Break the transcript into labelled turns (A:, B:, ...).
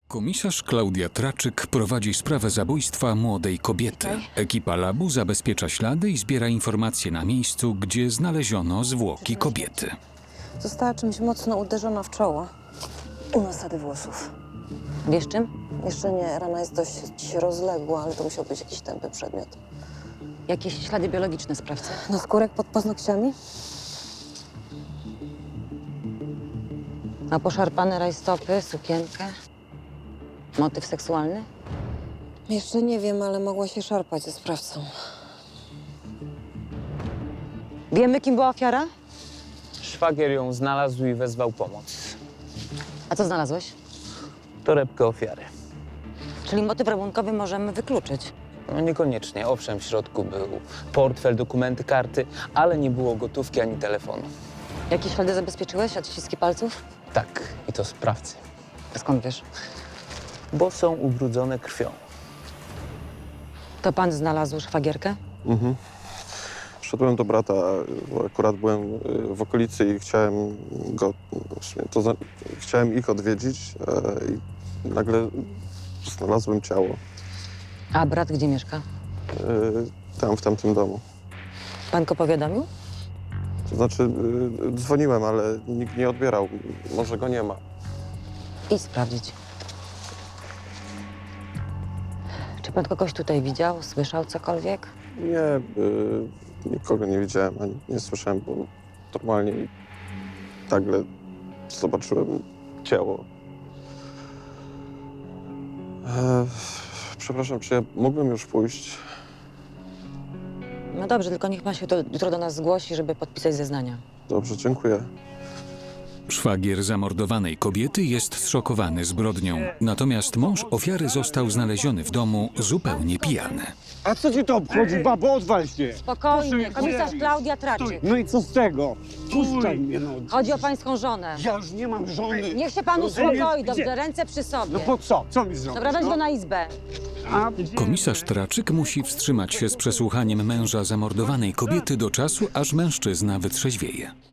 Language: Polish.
A: Komisarz Klaudia Traczyk prowadzi sprawę zabójstwa młodej kobiety. Ekipa labu zabezpiecza ślady i zbiera informacje na miejscu, gdzie znaleziono zwłoki kobiety.
B: Została czymś mocno uderzona w czoło. U nasady włosów.
C: Wiesz czym?
B: Jeszcze nie, rana jest dość rozległa, ale to musiał być jakiś tępy przedmiot.
C: Jakieś ślady biologiczne sprawcy?
B: Naskórek pod paznokciami?
C: A poszarpane rajstopy, sukienkę? Motyw seksualny?
B: Jeszcze nie wiem, ale mogła się szarpać ze sprawcą.
C: Wiemy, kim była ofiara?
D: Szwagier ją znalazł i wezwał pomoc.
C: A co znalazłeś?
D: Torebkę ofiary.
C: Czyli motyw rabunkowy możemy wykluczyć.
D: No niekoniecznie. Owszem, w środku był portfel, dokumenty, karty, ale nie było gotówki ani telefonu.
C: Jakie ślady zabezpieczyłeś? Odciski palców?
D: Tak, i to sprawcy,
C: A skąd wiesz?
D: bo są ubrudzone krwią.
C: To pan znalazł szwagierkę?
E: Szedłem do brata, bo akurat byłem w okolicy i chciałem go, chciałem ich odwiedzić i nagle znalazłem ciało
C: A brat gdzie mieszka?
E: tam, w tamtym domu.
C: Pan go powiadomił?
E: To znaczy, dzwoniłem, ale nikt nie odbierał. Może go nie ma.
C: Idź sprawdzić. Czy pan kogoś tutaj widział? Słyszał cokolwiek?
E: Nie, nikogo nie widziałem, ani nie słyszałem, bo normalnie nagle zobaczyłem ciało. Przepraszam, czy ja mógłbym już pójść?
C: No dobrze, tylko niech pan się jutro do nas zgłosi, żeby podpisać zeznania.
E: Dobrze, dziękuję.
A: Szwagier zamordowanej kobiety jest zszokowany zbrodnią. Natomiast mąż ofiary został znaleziony w domu zupełnie pijany.
F: A co ci to obchodzi, babo? Odwal się!
C: Spokojnie, komisarz Klaudia Traczyk.
F: No i co z tego? Puszczaj mnie, no.
C: Chodzi o pańską żonę.
F: Ja już nie mam żony.
C: Niech się pan
F: Rozumiesz?
C: uspokoi,
F: Gdzie?
C: dobrze, ręce przy sobie.
F: No po co? Co mi zrobisz?
C: Dobra, weź
F: no?
C: go na izbę.
F: A,
A: Komisarz Traczyk musi wstrzymać się z przesłuchaniem męża zamordowanej kobiety do czasu, aż mężczyzna wytrzeźwieje.